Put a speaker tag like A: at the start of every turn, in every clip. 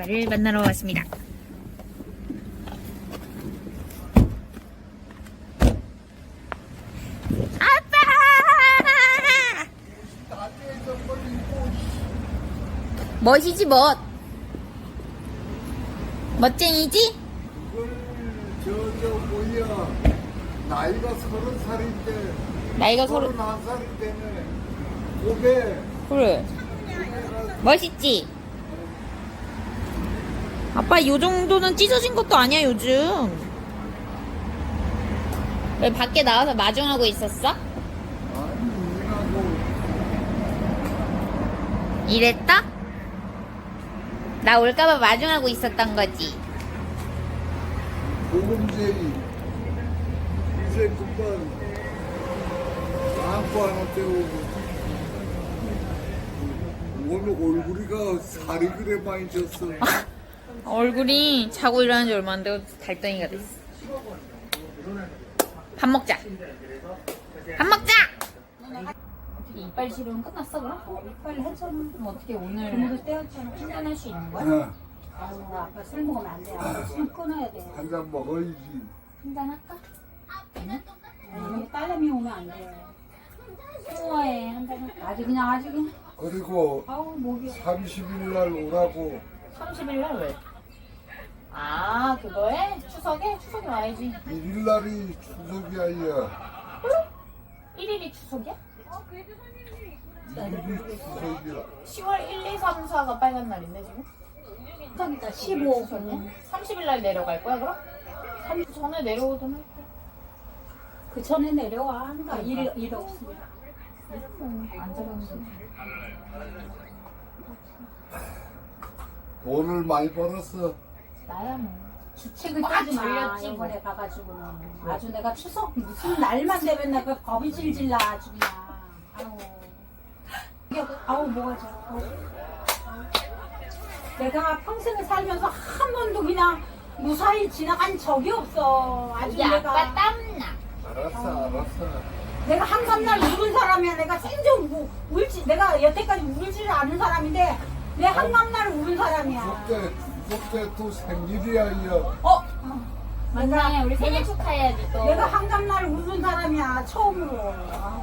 A: 아빠를 만나러 왔습니다. 아빠! 멋이지 멋. 멋쟁이지?
B: 뭐야, 나이가 30살인데
A: 나이가
B: 31살이 되네. 고개
A: 그래. 멋있지? 아빠 요 정도는 찢어진 것도 아니야 요즘. 왜 밖에 나와서 마중하고 있었어?
B: 아니 일하고
A: 이랬다? 나 올까봐 마중하고 있었던 거지.
B: 보금제이 이제 금방 안고 하나 때우고 오늘 얼굴이가 살이 그래 많이 쪘어.
A: 얼굴이 자고 일어난 지 얼마 안 되고 달덩이가 됐어. 밥 먹자. 밥 먹자! 어떻게 이빨 치료는 끝났어 그럼?
C: 이빨 해서는
A: 그럼 어떻게 오늘
C: 오늘 떼었잖아.
A: 충전할 수 있는 거야?
B: 응,
C: 아유, 아빠 술 먹으면 안 돼. 아빠 술 끊어야 돼.
B: 한 잔 먹어야지.
A: 한잔 할까?
C: 아니, 딸내미 오면 안 돼.
A: 수모에 한잔 할까?
C: 아주 그냥.
B: 그리고
C: 아우, 목이.
B: 30일 날 오라고.
A: 30일 날 왜? 아 그거에? 추석에? 추석에 와야지.
B: 1일 날이 추석이 아니야.
A: 1일이 추석이야?
B: 1일이 추석이야.
A: 10월 1, 2, 3, 4가 빨간 날인데 지금?
C: 추석이다. 15.
A: 30일 날 내려갈 거야 그럼? 3주 전에 내려오던 할 거야.
C: 그 전에 내려와. 그러니까 일 없으니까.
A: 안 잡았는데.
B: 돈을 많이 벌었어.
A: 나야 뭐.
C: 주책을
A: 꽉
C: 따지 마.
A: 졸렸지,
C: 이번에 가가지고는. 아주 내가 추석 무슨 날만 되면 내가 겁이 질질 나. 아주 그냥. 아우, 뭐가 저. 내가 평생을 살면서 한 번도 그냥 무사히 지나간 적이 없어. 아주
A: 이게
C: 내가.
A: 아빠 땀나.
B: 알았어.
C: 내가 한밤날 울은 사람이야. 내가 생전 울지. 내가 여태까지 울지를 않은 사람인데 내 한밤날 울은 사람이야.
B: 그때 또 생일이야, 이어.
A: 맞네. 우리 생일 축하해야지 또.
C: 내가 한밤날 울은 사람이야. 처음으로.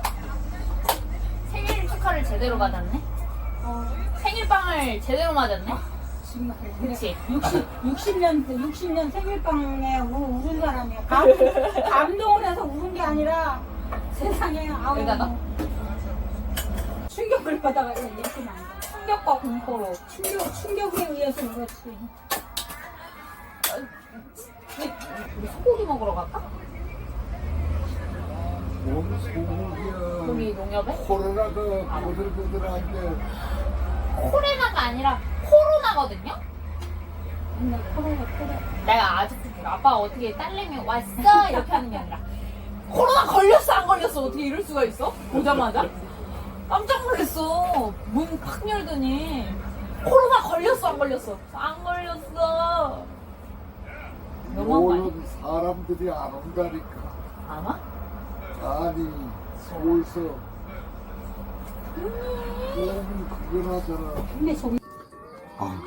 A: 생일 축하를 제대로 받았네. 생일빵을 제대로 맞았네.
C: 정말.
A: 그치?
C: 60년 생일빵에 울은 사람이야. 감동을 해서 울은 게 아니라 세상에 아우.
A: 여기다가?
C: 충격을 받아가 이렇게 만
A: 충격과 공포로.
C: 충격에 의해서 울었지.
A: 우리 소고기 먹으러 갈까?
B: 뭔 소고기야.
A: 거기 농협에?
B: 코로나가 보들보들한데.
A: 코레나가 아니라 코로나거든요?
C: 근데 코로나.
A: 내가 아직도 몰라. 아빠 어떻게 딸내미 왔어? 이렇게 하는 게 아니라 코로나 걸렸어 안 걸렸어? 어떻게 이럴 수가 있어? 보자마자? 깜짝 놀랐어. 문 팍 열더니 코로나 걸렸어 안 걸렸어? 안 걸렸어. 너무한 거 아니야?
B: 오는 사람들이 안 온다니까.
A: 아마?
B: 아니, 서울서. 너무 그걸 하잖아.
C: 근데 저기
B: 아,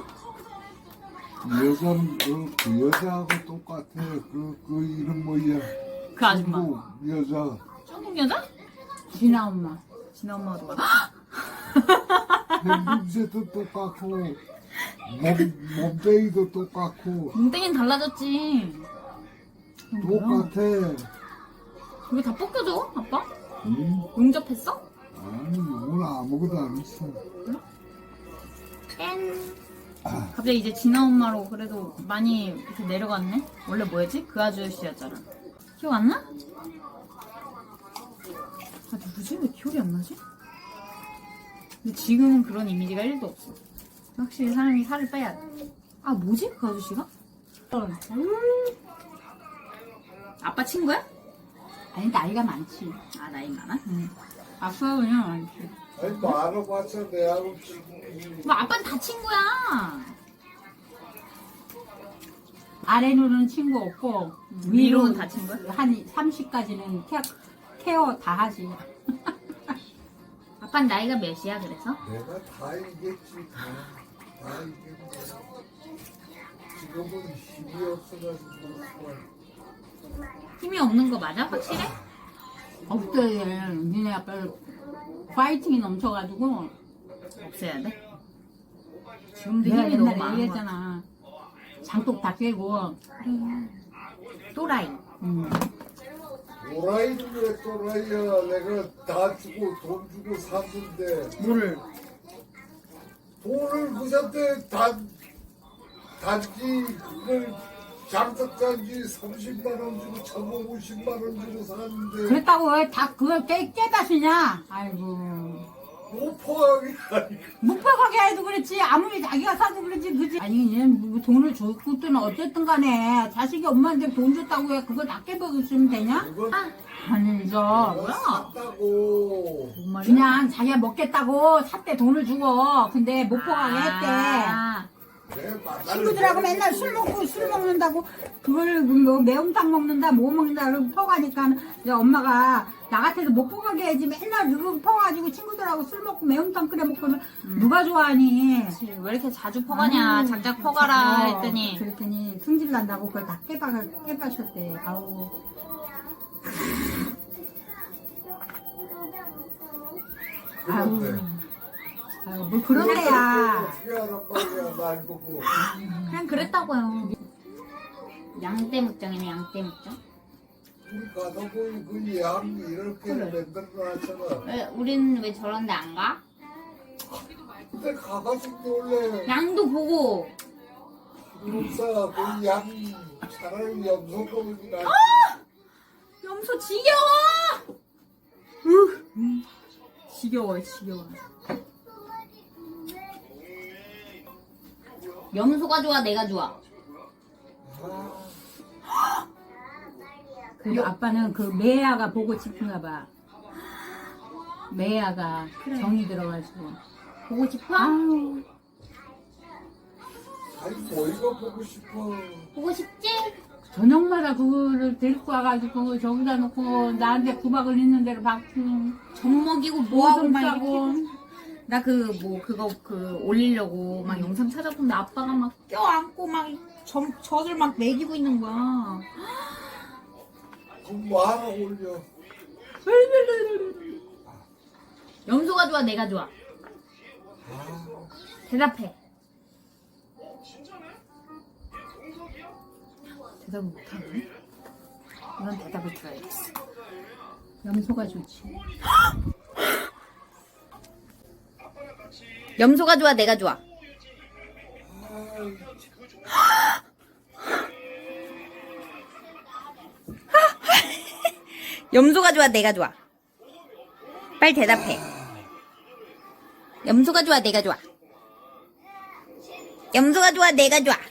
B: 여자는 그 여자하고 똑같아. 그 이름 뭐야?
A: 그 아줌마.
B: 중국 여자.
A: 중국 여자?
C: 진아 엄마.
A: 진아 엄마가 누가?
B: 냄새도 똑같고, 몸빼기도 똑같고,
A: 뭉땡이는 달라졌지.
B: 똑같아.
A: 왜 다 벗겨져 아빠?
B: 응?
A: 용접했어?
B: 아니, 오늘 아무것도 안 했어.
A: 땡. 갑자기 이제 진아 엄마로 그래도 많이 이렇게 내려갔네? 원래 뭐였지? 그 아저씨였잖아. 기억 안 나? 아, 누구지? 왜 기억이 안 나지? 근데 지금은 그런 이미지가 1도 없어. 확실히 사람이 살을 빼야 돼. 아, 뭐지? 그 아저씨가? 아빠 친구야?
C: 아니 나이가 많지.
A: 아, 나이 많아? 응. 아빠가 그냥 많지.
B: 아니, 말아봤자 내하고 친구.
A: 뭐, 아빠는 다 친구야.
C: 아래로는 친구 없고
A: 위로는 다 친구야?
C: 한 30까지는 케어 다 하지.
A: 아빠는 나이가 몇이야, 그래서?
B: 내가 다 이겼지, 다. 아, 이게 뭐. 지금은 힘이 없어가지고.
A: 힘이 없는 거 맞아? 확실해?
C: 없대. 니네 아빠 파이팅이 넘쳐가지고.
A: 없애야 돼? 지금도
C: 내가
A: 힘이 너무
C: 옛날에
A: 많은 거
C: 얘기했잖아. 장독 다 깨고.
A: 또라이.
B: 또라이는 왜 또라이야? 내가 다 주고 돈 주고 샀는데
A: 뭐를?
B: 돈을 그한테 단지 그걸 장독단지 30만 원 주고 1,550만 원 주고 샀는데
C: 그랬다고 왜 다 그걸 깨닫으냐? 아이고.
B: 못 포함이 아니고
C: 무표하게 해도 그렇지. 아무리 자기가 사도 그렇지. 그지? 아니, 얘는 뭐 돈을 줬든 어쨌든 간에 자식이 엄마한테 돈 줬다고 해. 그걸 다 깨버리시면 되냐?
B: 그건
C: 아니죠.
B: 내가 샀다고.
C: 그냥 자기가 먹겠다고 샀대 돈을 주고. 근데 못 포하게 했대.
A: 아,
B: 내 만날
C: 친구들하고 맨날 술 먹는다고 그걸 뭐 매운탕 먹는다 뭐 먹는다 그러고 퍼가니까 이제 엄마가 나 같아도 못 퍼가게 해야지 맨날 그거 퍼가지고 친구들하고 술 먹고 매운탕 끓여 먹고는 누가 좋아하니.
A: 그치. 왜 이렇게 자주 퍼가냐? 작작 퍼가라 했더니.
C: 그랬더니 승질 난다고 그걸 다 깨빠셨대. 아우.
B: 그런데
C: 아유, 뭐 그런 애야.
B: 어떻게 하란 말이야 날 보고.
A: 그냥 그랬다고요. 양떼묵장이네, 양떼묵장.
B: 우리 가다 보니 그 양이 이렇게 만들어놨잖아.
A: 왜, 우린 왜 저런 데 안 가?
B: 근데 가가지고 원래
A: 양도 보고.
B: 기록사 그 양이 차라리 염소고기 낫지.
A: 염소 지겨워!
C: 지겨워.
A: 염소가 좋아, 내가 좋아.
C: 그리고 아빠는 그 매야가 보고 싶은가 봐. 매야가 정이 들어가지고.
A: 보고 싶어?
C: 아유.
B: 아니 뭐이가 보고 싶어.
A: 보고 싶지?
C: 저녁마다 그거를 데리고 와가지고 저기다 놓고 나한테 구박을 있는 대로 박수.
A: 젖 먹이고 뭐하고
C: 오줌
A: 막
C: 싸고.
A: 이렇게. 나 그거 올리려고 막 영상 찾아보는데 아빠가 막 껴안고 막 젖을 막 먹이고 있는 거야.
B: 그럼 뭐 하나 올려.
A: 염소가 좋아, 내가 좋아. 대답해. 대답을 못하네. 이건 대답을 들어야겠어.
C: 염소가 좋지.
A: 염소가 좋아, 내가 좋아. 염소가 좋아, 내가 좋아. 빨리 대답해. 염소가 좋아, 내가 좋아. 염소가 좋아, 내가 좋아.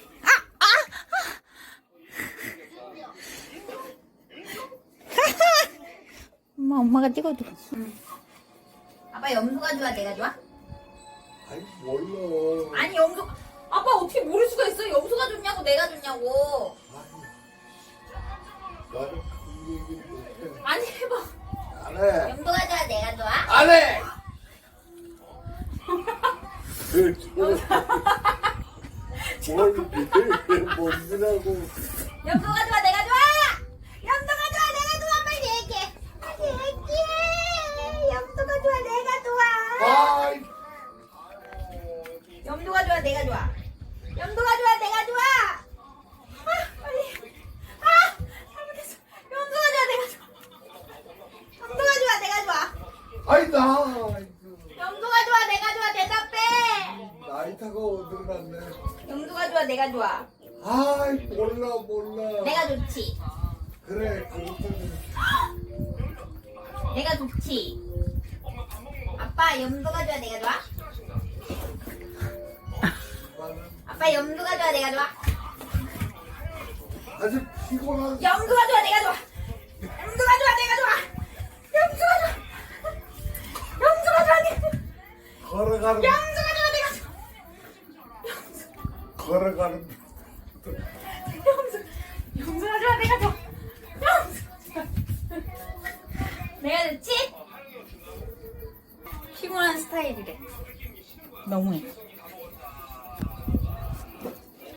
A: 엄마가 찍어줘. 아빠 염소가 좋아, 내가 좋아?
B: 아니 몰라.
A: 아니 염소. 아빠 어떻게 모를 수가 있어? 염소가 좋냐고, 내가 좋냐고.
B: 나는 그 얘기 못해.
A: 아니 해봐.
B: 안 해.
A: 염소가 좋아, 내가 좋아?
B: 안 해. 뭘 믿으라고.
A: 염소가 좋아, 내가 좋아? 염소가 좋아, 내가 좋아? 빨리 얘기해. 빨리 얘기해. 염소가 좋아, 내가 좋아?
B: 아이.
A: 염소가 좋아, 내가 좋아? 염소가 좋아, 내가 좋아? 빨리. 잘못했어. 염소가 좋아, 내가 좋아? 염소가 좋아, 내가 좋아?
B: 아이 나.
A: 염소가 좋아, 내가 좋아? 대답해.
B: 나이타가 어디로 갔네.
A: 염소가 좋아, 내가 좋아?
B: 아이 몰라.
A: 내가 좋지.
B: 그래 그렇다면.
A: 내가 좋지. 아빠 염소가 좋아, 내가 좋아? 아빠 염소가 좋아, 내가 좋아?
B: 아주 피곤한.
A: 염소가 좋아, 내가 좋아? 염소가 좋아, 내가 좋아? 염소가 좋아. 염소가 좋아, 내가 좋아?
B: 걸어가는.
A: 염소가 좋아, 내가 좋아?
B: 걸어가는.
A: 염소가 좋아, 내가 좋아? 내가 좋지? 피곤한 스타일이래. 너무해.